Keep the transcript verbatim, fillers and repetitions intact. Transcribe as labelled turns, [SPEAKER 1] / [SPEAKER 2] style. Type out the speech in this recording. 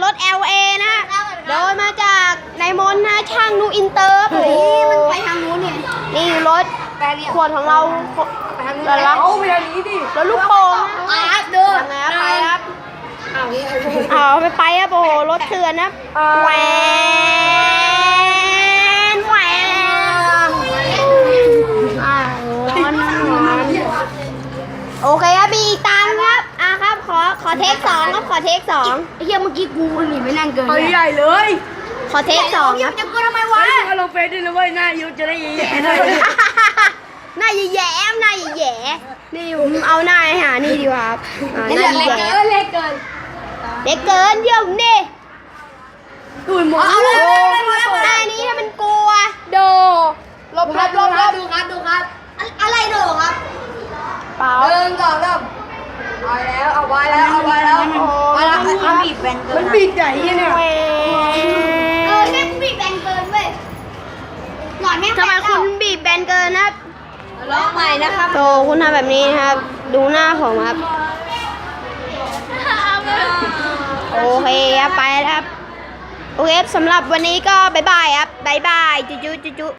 [SPEAKER 1] ถ แอล เอ นะโดยมาจากนายมนนะช่างนูอินเตอร์โอ้โห
[SPEAKER 2] มันไปทางนู้นเนี่ย
[SPEAKER 1] นี่รถขวดของเรา
[SPEAKER 2] ไปทางนู้น
[SPEAKER 1] แล้วละ
[SPEAKER 2] เอาไปทางนี้ดิ
[SPEAKER 1] รถลูกโป่ง
[SPEAKER 2] อ่ะเดิน
[SPEAKER 1] ทำไงครับไปครับ
[SPEAKER 2] เอานี่
[SPEAKER 1] เอาไปไปครับโอ้โหรถเถื่อนนะแหวนแหวนอ่าร้อนนะร้อนโอเคครับมีอีกตังค์ครับอ่ะครับขอขอเทคสองครับขอเทคสอง
[SPEAKER 2] ไอ้เหี้ยเมื่อกี้กูหนีไม่นั่งเกิน
[SPEAKER 3] เอาใหญ่เลย
[SPEAKER 1] ขอเทคสองครับ
[SPEAKER 2] จะกูทำไมวะ
[SPEAKER 3] ไอ้เราเฟซด้วยนะเว้ยหน้ายุจะได้แย่ๆหน่อย
[SPEAKER 1] หน้าแย่ๆหน้าแย่ๆนี่ผมเอาหน้าให้หานี่ดีกว่าครับอ่าห
[SPEAKER 2] เล็
[SPEAKER 1] น้าก
[SPEAKER 2] เกิ
[SPEAKER 1] แย่
[SPEAKER 2] นเล็กเกิน
[SPEAKER 1] เด็กเกินเยี่ยมนี่
[SPEAKER 3] ตุ่นหมด
[SPEAKER 2] เอาเลย
[SPEAKER 1] หน้านี้ถ้ามันกลัว
[SPEAKER 2] โดลบครับลบครับดูครับดูครับอะไรโดครับ
[SPEAKER 1] เปล่า
[SPEAKER 2] เดินก่อนเริ่มเอาแล้วเอาไว้แล้วเอาไว้แล้วเอาแล้วมันบีบแบนเกิ
[SPEAKER 3] มัน นบีบใหญ่เนี่ย
[SPEAKER 1] แหว
[SPEAKER 2] เออน แม่งบีบแบนเกินเว้ยหน่อยแม่ง
[SPEAKER 1] ทำไมคุณบีบแบนเกินนะครับ
[SPEAKER 2] ร้องใหม่นะครับ
[SPEAKER 1] โตคุณทำแบบนี้นะครับ ดูหน้าผมครับ โอเคครับไปแล้วครับ โอเคสำหรับวันนี้ก็บายบายครับบายบายจุ๊จุ๊จุ๊จุ๊